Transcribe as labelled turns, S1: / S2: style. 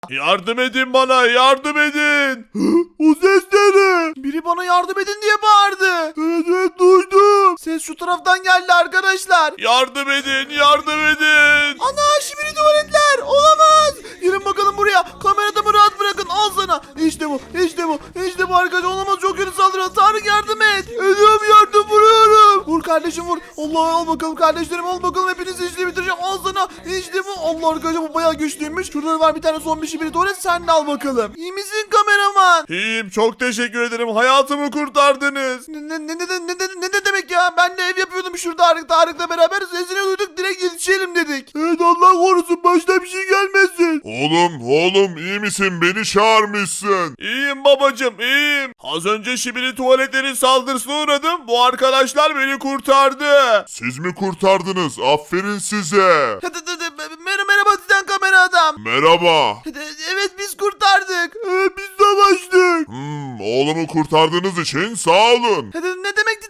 S1: Yardım edin bana, yardım edin. O ses ne? Biri bana yardım edin diye bağırdı. Evet duydum. Ses şu taraftan geldi arkadaşlar. Yardım edin, yardım edin. Ana şimdi tuvaletler olamaz. Gelin bakalım buraya. Kameramı rahat bırakın, al sana. İşte bu, işte bu, işte bu arkadaş, olamaz, çok kötü saldırıyor. Tarık yardım et. Ediyorum, yardım, vuruyorum. Vur kardeşim vur. Allah, al bakalım kardeşlerim, al bakalım, hepinizi işini bitireceğim. Al sana. İşte bu. Allah arkadaşlar, bu bayağı güçlüymüş. Şurada var bir tane son bir şey, biri tuvalet, sen de al bakalım. İyi misin kameraman? İyiyim, çok teşekkür ederim. Hayatımı kurtardınız. Ne demek ya? Ben de ev yapıyordum şurada Tarık'la beraber. Sesini duyduk, direkt yetişelim dedik. Evet, Allah korusun, başta bir şey gelmesin.
S2: Oğlum iyi misin? Beni çağırmışsın.
S1: İyiyim babacım, iyiyim. Az önce Şibili tuvaletlerin saldırısına uğradım. Bu arkadaşlar beni kurtardı.
S2: Siz mi kurtardınız? Aferin size.
S1: Merhaba Titan kamera adam.
S2: Merhaba.
S1: Evet, biz kurtardık. Biz savaştık.
S2: Oğlumu kurtardığınız için sağ olun.
S1: Ne demek